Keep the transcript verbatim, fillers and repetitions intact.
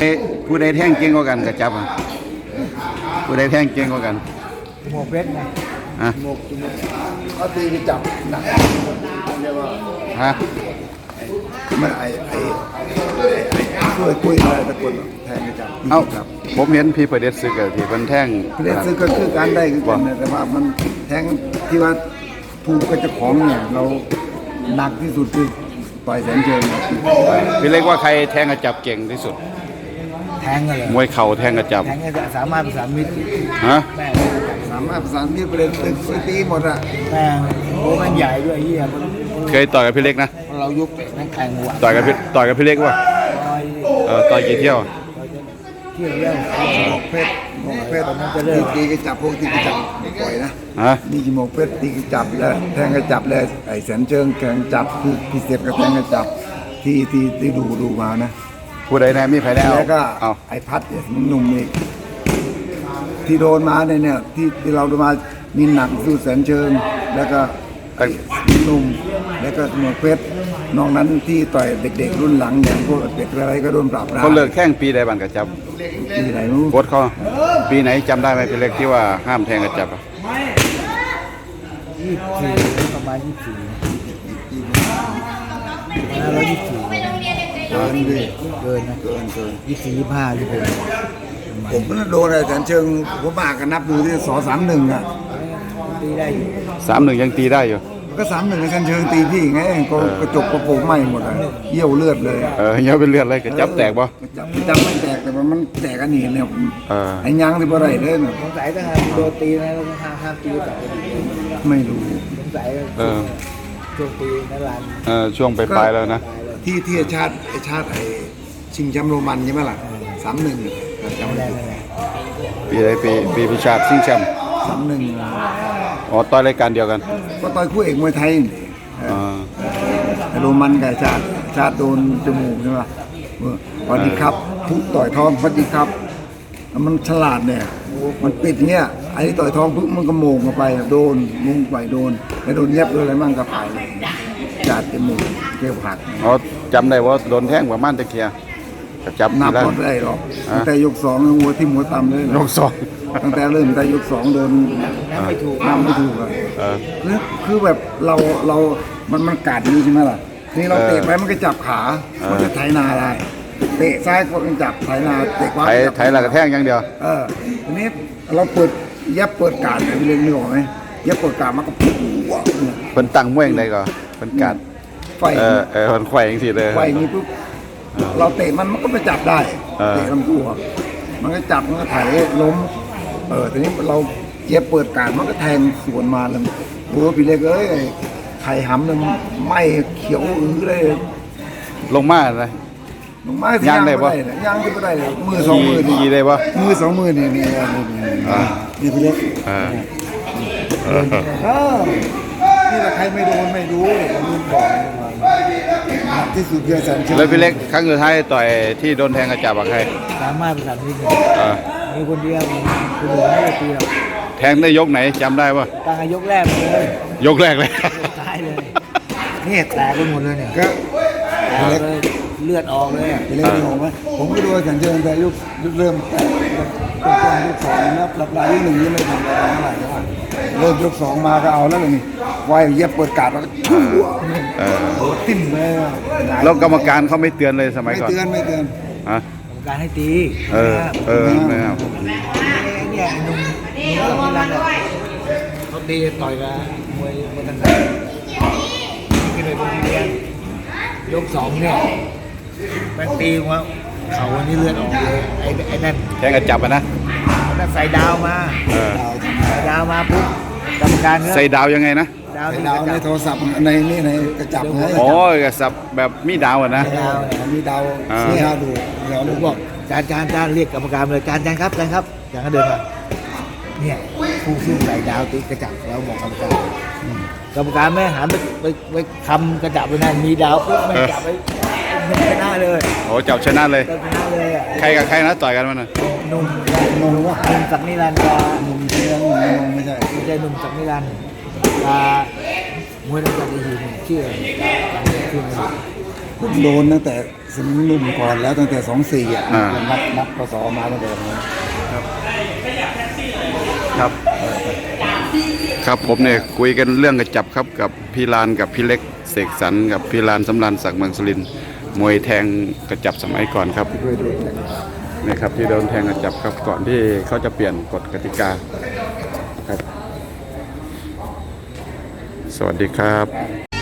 ผู้ใดแท่งเก่งกว่ากันกระจับอะผู้ใดแท่งเก่งกว่ากันหมวกเพชรไงฮะหมวกจุ่มเขาตีไปจับหนักเรียกว่าฮะมันไอไอไอคุยคุยอะไรตะกุนแทงไปจับเอ้าผมเห็นพี่ประเด็จซึกกับที่มันแท่งประเด็จซึกก็คือการได้คือกันแต่ว่ามันแทงที่ว่าถูกกับเจ้าของเนี่ยเราหนักที่สุดคือต่อยแสนเชิงพี่เล็กว่าใครแท่งกระจับเก่งที่สุดแทงกันเลยมวยเข่าแท่งกระจับแทงกันสามารถประสานมิตรฮะสามารถประสานมิตรประเด็นตึกตีหมดอะแม่โอ้มันใหญ่ด้วยเฮียเคยต่อยกับพี่เล็กนะเรายุกเตะนั่งแข่งหัวต่อยกับพี่ต่อยกับพี่เล็กว่าเออต่อยกี่เที่ยวเที่ยวเดียวเพชรเพชรตอนนั้นจะเลิกตีกระจับพวกตีกระจับปล่อยนะฮะนี่กี่โมงเพชรตีกระจับแล้วแทงกระจับแล้วไอ้แสนเชิงแทงจับคือพิเศษกับแทงกระจับที่ที่ที่ดูดูมานะผู้ใดแน่มีใครแล้วแล้วก็ไอ้พัดเนี่ยหนุ่มอีกที่โดนมาเนี่ยเนี่ยที่ที่เราโดนมามีหนักสู้แสนเชิงแล้วก็ไอ้หนุ่มแล้วก็หมวกเพชรนอกนั้นที่ต่อยเด็กๆรุ่นหลังอย่างพวกเด็กอะไรก็โดนปราบปรามเขาเลิกแข่งปีใดบ้างกระจับปีไหนรู้โค้ชเขาปีไหนจำได้ไหมพี่เล็กที่ว่าห้ามแทงกระจับอ่ะยี่สิบสี่ประมาณยี่สิบสี่ห้าร้อยยี่สิบสี่เกินดิเกินนะเกินเกินยี่สิบสี่ยี่สิบห้ายี่สิบหกผมก็โดนอะไรแสนเชิงผมมากันนับดูที่สอสามหนึ่งอ่ะตีได้อยู่สามหนึ่งยังตีได้อยู่ก็สามหนึ่งแสนเชิงตีพี่ไงก็กระจกกระโปรงไหม้หมดเลยเยี่ยวเลือดเลยเออเยี่ยวเป็นเลือดเลยกระจับแตกป่ะจับจับไม่แตกแต่มันแตกกันนี่เนี่ยไอ้ยังที่บ่ได้เลยเนี่ยสงสัยถ้าโดนตีนะต้องห้ามห้ามตีแต่ไม่รู้สงสัยเออช่วงปีนั่นแหละเออช่วงไปปลายแล้วนะที่ที่ชาติไอชาติไอชิงแชมป์โรมันใช่ไหมล่ะสามหนึ่งจำได้เลยปีไหนปีปีพิชาติชิงแชมป์สามหนึ่งอ๋อต่อยรายการเดียวกันก็ต่อยคู่เอกมวยไทยโรมันกับชาติชาติโดนจมูกใช่ไหมพอดีครับทุกต่อยท้องพอดีครับมันฉลาดเนี่ยมันปิดเงี้ยไอ้ต่อยท้องปุ๊บมันก็โมงเข้าไปโดนมุงไปโดนแล้วโดนเย็บอะไรมั่งก็ไปชาติจมูกเกี่ยวผักอ๋อจำได้ว่าโดนแท่งประมาณตะเคียจับนับหมดได้หรอกตั้งแต่ยกสองหัวที่หัวต่ำเลยยกสองตั้งแต่เริ่มแต่ยกสองโดนนับไม่ถูกนับไม่ถูกเลยคือคือแบบเราเรามันมันกัดนี้ใช่ไหมล่ะนี่เราเตะไปมันก็จับขามันจะไถนาได้เตะซ้ายก็จับไถนาเตะขวาไถไถหลักแท่งอย่างเดียวเออทีนี้เราเปิดยับเปิดการไปเรื่อยๆนึกออกไหมยับเปิดการมันก็ปุ๊บเป็นตั้งมวยอย่างไรก็เป็นการไฟเออเออมันไฟอย่างสิเลยไฟนี้ปุ๊บเราเตะมันมันก็ไปจับได้เตะลำตัวมันก็จับมันก็ไถล้มเออทีนี้เราเย็บเปิดการมันก็แทงสวนมาแล้วโอ้พี่เล็กเอ้ยไข่หำเนี่ยไหม้เขียวอื้อเลยลงมาเลยลงมาย่างได้ปะย่างได้เลยมือสองมือนี่ได้ปะมือสองมือนี่นี่นี่พี่เล็กนี่ถ้าใครไม่โดนไม่รู้ผมบอกที่สุดเยอะสันแล้วพี่เล็กครั้งสุดท้ายต่อยที่โดนแทงกระจับกับใครสามารถประสานมิตรมีคนเดียวคนอื่นไม่ได้ตีหรอกแทงได้ยกไหนจำได้ปะตั้งยกแรกเลยยกแรกเลยตายเลยนี่แตกไปหมดเลยเนี่ยก็เลือดออกเลยเลือดออกไหมผมก็ดูสันเชิงแต่ยุคเริ่มต้นยุคสองนะปรับปลายยุคหนึ่งยังไม่ทำอะไรเท่าไหร่เท่าไหร่เริ่มยุคสองมาก็เอาแล้วเลยนี่ไว้เย็บเปิดกาดแล้วโอ้ติ่มเลยแล้วกรรมการเขาไม่เตือนเลยสมัยก่อนไม่เตือนไม่เตือนฮะกรรมการให้ตีเออเออไม่เอาเนี่ยหนุ่มหนุ่มกับนี่นั่นเขาตีต่อยกันมวยมวยกันไหนที่เลยเป็นเรียนยกสองเนี่ยแม่งตีว่าเขาวันนี้เลือดออกเลยไอ้ไอ้นั่นแทงกระจับอ่ะนะนั่นใส่ดาวมาใส่ดาวมาปุ๊บกรรมการใส่ดาวยังไงนะดาวในโทรศัพท์ในนี่ในกระจับไงอ๋อกระจับแบบมีดาวอ่ะนะดาวมีดาวนี่ฮะดูเดี๋ยวลูกบอกจานจานจานเรียกกรรมการเลยจานจานครับจานครับจานก็เดินมาเนี่ยผู้ซึ่งใส่ดาวตีกระจับแล้วบอกกรรมการกรรมการไม่หันไปไปไปคำกระจับไปนั่นมีดาวปุ๊บไม่จับไปชนะเลยโอ้จับชนะเลยชนะเลยใครกับใครนะต่อยกันมันน่ะนุ่มนุ่มว่านุ่มจากนิรันดร์กับนุ่มเชียงนุ่มไม่ใช่ไม่ใช่นุ่มจากนิรันดร์มวยนักกีฬาทีมชื่อชื่อผมโดนตั้งแต่สมัยหนุ่มก่อนแล้วตั้งแต่สองสี่อ่ะอ่านับนับพศมาตั้งแต่นั้นครับ ครับผมเนี่ยคุยกันเรื่องกระจับครับกับพี่ลานกับพี่เล็กเสกสรรกับพี่ลานสำรานศักดิ์เมืองสุรินทร์มวยแทงกระจับสมัยก่อนครับด้วยด้วยนี่ครับที่โดนแทงกระจับครับก่อนที่เขาจะเปลี่ยนกฎกติกาครับ สวัสดีครับ